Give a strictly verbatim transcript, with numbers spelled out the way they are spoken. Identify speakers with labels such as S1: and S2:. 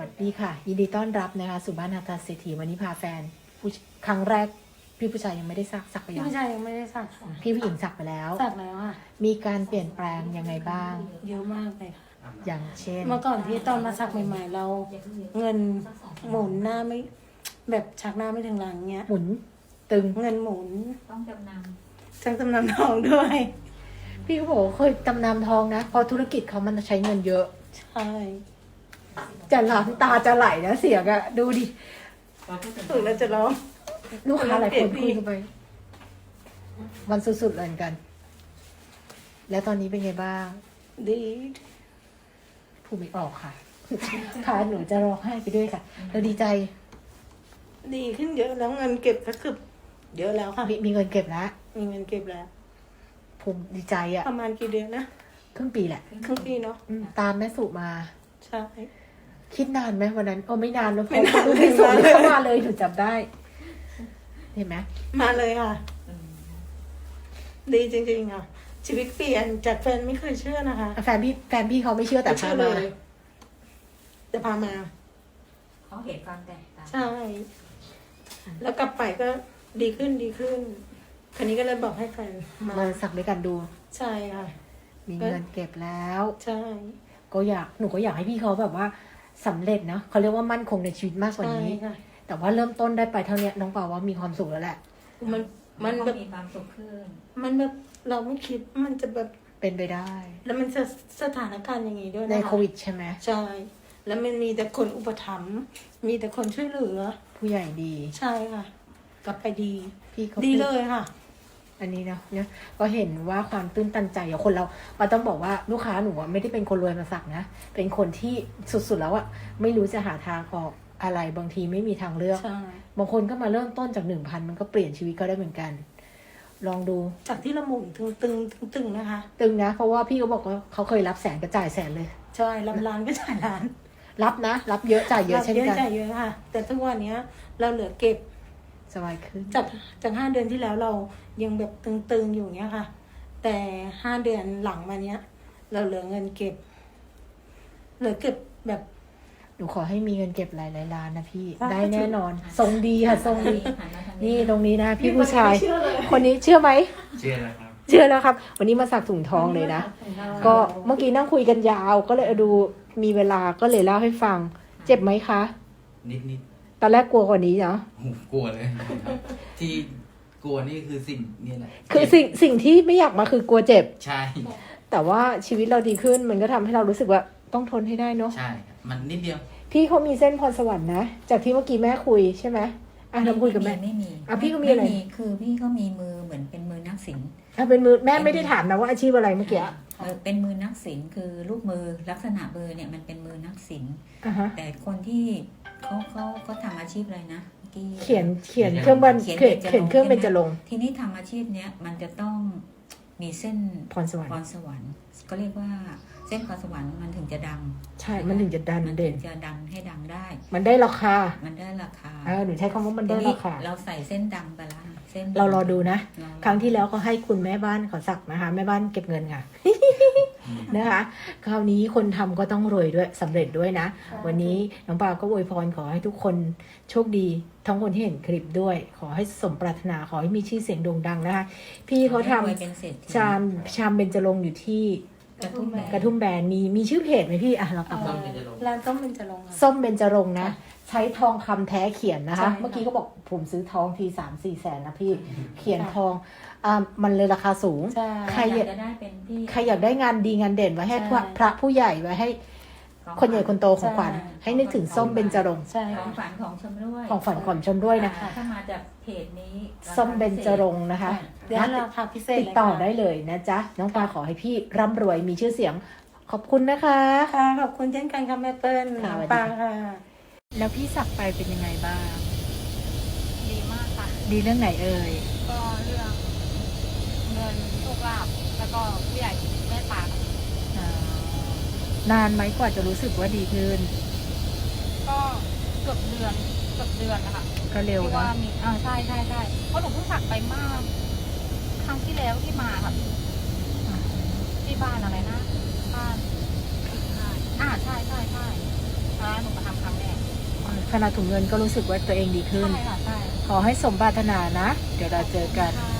S1: วัสดีค่ะยินดีต้อนรับนะคะสู่บ้านนาตาเศรษฐีวันนี้พาแฟนผู้ครั้งแรกพี่ผู้ชายยังไม่ได้สักสักไป
S2: พี่
S1: ยัง
S2: ผู้ชายยังไม่ได้สักค่ะ
S1: พี่ผู้หญิงสักไปแล้ว
S2: สักแล้วค่ะ
S1: มีการเปลี่ยนแปลงยังไงบ้าง
S2: เยอะมากเลยค่ะ
S1: อย่างเช่น
S2: เมื่อก่อนที่ตอนมาสักใหม่ๆเราเงินหมุนหน้าไม่แบบชักหน้าไม่ถึงหลังเงี้ย
S1: หมุนตึง
S2: เงินหมุน
S3: ต้องจำน
S2: จังจำนำทองด้วย
S1: พี่เขาบอกว่าเคยจำนำทองนะเพราะธุรกิจเขามันใช้เงินเยอะ
S2: ใช่
S1: จะหล้ำตาจะไหลนะเสียงอะดูดิ
S2: ถึงแล้วจะร้อง
S1: ลูกค้าหลายคน
S2: เปลี่
S1: คุย
S2: ยนพี่
S1: กันไปมันสุดๆเลยเหมือนกัน แล้วตอนนี้เป็นไงบ้าง
S2: ดี
S1: พูดไม่ออกค่ะ ค่ะหนูจะร้องไห้ไปด้วยค่ะเราดีใจ
S2: ดีขึ้นเยอะแล้วเงินเก็บก็คือเยอะแล้วค่ะ
S1: มีมีเงินเก็บแล้ว
S2: มีเงินเก็บแล้ว
S1: ภูมิดีใจอะ
S2: ประมาณกี่เดือนนะ
S1: ครึ่งปีแหละ
S2: ครึ่งปีเนาะ
S1: อืมตามแม่สุมา
S2: ใช่
S1: คิดนานไหมวันนั้นโอ้ไม่นานแล้ว
S2: ไม่นาน
S1: ดูไม่ส่ง
S2: ไม่นานเลย
S1: เข้ามาเลยหนูจับได้ เห็นไหม
S2: มาเลยค่ะ
S3: ำ
S2: ดีจริงๆค่ะ ชีวิตเปลี่ยนจากแฟนไม่เคยเชื่อนะคะ
S1: แฟนพี่แฟนพี่เขาไม่เชื่อแต่
S2: ไม่
S1: พา
S2: เชื่อ
S1: มา
S2: เลยแต่พามา
S3: เขาเห็นความแตกต่าง
S2: ใช่ แล้วกลับไปก็ดีขึ้นดีขึ้น คันนี้ก็เลยบอกให้แฟนมา
S1: มาสักด้วยกันดู
S2: ใช่ค่ะ
S1: มีเงินเก็บแล้ว
S2: ใช่
S1: ก็อยากหนูก็อยากให้พี่เขาแบบว่าสำเร็จนะเขาเรียกว่ามั่นคงในชีวิตมากกว่า
S2: ใช่
S1: นี้
S2: ค่ะ
S1: แต่ว่าเริ่มต้นได้ไปเท่าเนี้ยน้องเปาว่ามีความสุขแล้วแหละ
S2: มันมัน
S3: เขา
S2: แบบ
S3: มีความสุขขึ้น
S2: มันแบบเราไม่คิดว่ามันจะแบบ
S1: เป็นไปได้
S2: แล้วมันจะสถานการณ์อย่างนี้ด้วย
S1: ใน
S2: นะคะ
S1: โควิดใช่ไหม
S2: ใช่ แล้วมันมีแต่คนอุปถัมภ์มีแต่คนช่วยเหลือ
S1: ผู้ใหญ่ดี
S2: ใช่ค่ะ กลับไปดี
S1: พี่เขา
S2: ดีเลยค่ะ
S1: อันนี้นะเนี่ยก็เห็นว่าความตื้นตันใจของคนเราปาต้องบอกว่าลูกค้าหนูอะไม่ได้เป็นคนรวยมาสักนะ เป็นคนที่สุดๆแล้วอะไม่รู้จะหาทางออกอะไรบางทีไม่มีทางเลือก
S2: ใช่
S1: บางคนก็มาเริ่มต้นจากหนึ่งพันมันก็เปลี่ยนชีวิตก็ได้เหมือนกัน ลองดู
S2: จากที่เราหมุนตึงตึงตึงตึงๆนะคะ
S1: ตึงนะ เพราะว่าพี่เขาบอกว่าเขาเคยรับแสนก็จ่ายแสนเลย
S2: ใช่รับร้านก็จ่ายร้าน
S1: รับนะ รับเยอะจ่ายเยอะเช่น
S2: เยอะ
S1: กัน
S2: จ่ายเยอะค่ะ แต่ทุกวันเนี้ย เราเหลือเก็บ
S1: สบายขึ้น
S2: จากจากห้าเดือนที่แล้วเรายังแบบตึงๆอยู่เนี้ยค่ะ แต่ห้าเดือนหลังมาเนี้ย เราเหลือเงินเก็บ เหลือเก็บแบบ
S1: หนูขอให้มีเงินเก็บหลายๆล้านนะพี่
S2: ค่ะ
S1: ได้แน่นอน ทรงดีค่ะ ทรงดี
S3: หันมาทาง
S1: นี่ตรงนี้นะ พี่ผู้ชาย คนนี้เชื่อไหม
S4: เชื่อแล้วครับ
S1: เชื่อแล้วครับ วันนี้มาสักถุงทองเลยนะ ก็เมื่อกี้นั่งคุยกันยาว ก็เลยดูมีเวลาก็เลยเล่าให้ฟัง เจ็บไหมคะ
S4: นิดนิด
S1: ตอนแรกกลัวกว่านี้เนาะ
S4: ๆโอ้โหกลัวเลยครับที่กลัวนี่คือสิ่งนี่แหละ
S1: คือสิ่งสิ่งที่ไม่อยากมาคือกลัวเจ็บ
S4: ใช่
S1: แต่ว่าชีวิตเราดีขึ้นมันก็ทำให้เรารู้สึกว่าต้องทนให้ได้เนาะ
S4: ใช่ครับมันนิดเดียว
S1: พี่เขามีเส้นพรสวรรค์นะ จากที่เมื่อกี้แม่คุยใช่ไหมอ่ะเราคุยกับแม่
S3: ไม่มี
S1: อ่ะพี่ก็มีอะไร
S3: คือพี่ก็มีมือเหมือนเป็นมือนักศิลป์
S1: อ่ะเป็นมือแม่ไม่ได้ถามนะว่าอาชีพอะไรเมื่อกี้
S3: เออเป็นมือนักศิลป์คือรูปมือลักษณะมือเนี่ยมันเป็นมือนักศิลป์
S1: อ่ะฮะ
S3: แต่คนที่เขาเขาเขาทำอาชีพอะไรนะเมื่อกี้
S1: เขียนเขียนเครื่องบัน
S3: เขียน
S1: เขียน
S3: เบญจรงค์
S1: เขียนเครื่องเบญจรงค์
S3: ทีนี้ทำอาชีพเนี้ยมันจะต้องมีเส้น
S1: พรสวรร
S3: พ
S1: ค์
S3: รสวรรค์ก็เรียกว่าเส้นพรสวรรค์มันถึงจะดัง
S1: ใช่มันถึงจะดัน
S3: มัน
S1: เด่
S3: ถึ
S1: น
S3: งจะดังให้ดังได้
S1: มันได้ราคา
S3: มันได้ราคา
S1: เออหนูใช้คำว่ามัน
S3: ที
S1: ได้
S3: นี้
S1: ราคา
S3: เราใส่เส้นดำไปแล้วเส้น
S1: เรารอดูนะ
S3: เรา
S1: ครั้งที่แล้วเขาให้คุณแม่บ้านเขาสักนะคะ แม่บ้านเก็บเงินค่ะ นะคะ คราวนี้คนทำก็ต้องรวยด้วยสำเร็จด้วยนะ วันนี้น้องปาก็อวยพรขอให้ทุกคนโชคดี ทั้งคนที่เห็นคลิปด้วย ขอให้สมปรารถนาขอให้มีชื่อเสียงโด่งดังนะคะ พี่เขาท
S3: ให้รวยเป็นเศรษฐี
S1: ำชามชามเบญจรงค์อยู่ที่
S3: กระทุ่มแบน
S1: กระทุ่มแบนมีมีชื่อเพจไหมพี่อ่ะเรากลับมา
S2: ร้านต้มเป็นจะลงค์ค่ะ
S1: ส้มเบญจรงค์นะ ใช้ทองคำแท้เขียนนะคะ
S2: ใช่ค่ะ
S1: เมื่อกี้ก็บอกผมซื้อทองทีสามสี่แสนนะพี่เขียนทองอ่ามันเลยราคาสูง
S2: ใช่
S1: ใคร
S3: อยากจะได้เป็นที่
S1: ใครอยากได้งานดีงานเด่นไว้ให้
S2: ใช่
S1: พระพระผู้ใหญ่ไว้ให้
S3: ของ
S1: คนใหญ่คนโตของขวัญ
S2: ใช่
S1: ให้นึกถึงส้มเบญจรงค์
S2: ใช่
S3: ของ
S2: ค่ะ
S3: ฝันของชมด้วย
S1: ของฝันของชมด้วยนะ
S3: ถ้ามาจากเพจนี้
S1: ส้มเบญจรงค์นะคะ
S2: เดี๋ยวราคาพิเศษ
S1: ติด
S2: เลย
S1: ต่อ
S2: ค่ะ
S1: ได้เลยนะจ๊ะ น้องปลาขอให้พี่ร่ำรวยมีชื่อเสียง ขอบคุณนะคะ
S2: ค่ะขอบคุณเช่นกันค่ะแม่เปิ้ล
S1: ค่ะ
S2: น้อง
S1: สวัสดี
S2: ปา
S1: ค่ะ
S2: ค่ะ
S1: แล้วพี่สักไปเป็นยังไงบ้าง
S5: ดีมากค่ะ
S1: ดีเรื่องไหนเอ่ย
S5: ก็เรื่องเงินโชคลาภแล้วก็ผู้ใหญ่เมตตา
S1: อ่านานไหมกว่าจะรู้สึกว่าดีขึ้น
S5: ก็เกือบเดือนเกือบเดือนนะคะ
S1: ก็เร็ว
S5: ที่
S1: นะ
S5: ว่ามีอ่าใช่ใช่ใช่เพราะหนูเพิ่งสักไปเมื่อครั้งที่แล้วที่มาค่ะที่บ้านอะไรนะบ้านอ่าใช่ใช่ใช่อ่าหนูมาทำครั้งแรก
S1: ขนาดถุงเงินก็รู้สึกว่าตัวเองดีขึ้น
S5: ใช่ค่ะใช่
S1: ขอให้สมปรารถนานะ เดี๋ยวเราเจอกัน
S5: ค่ะ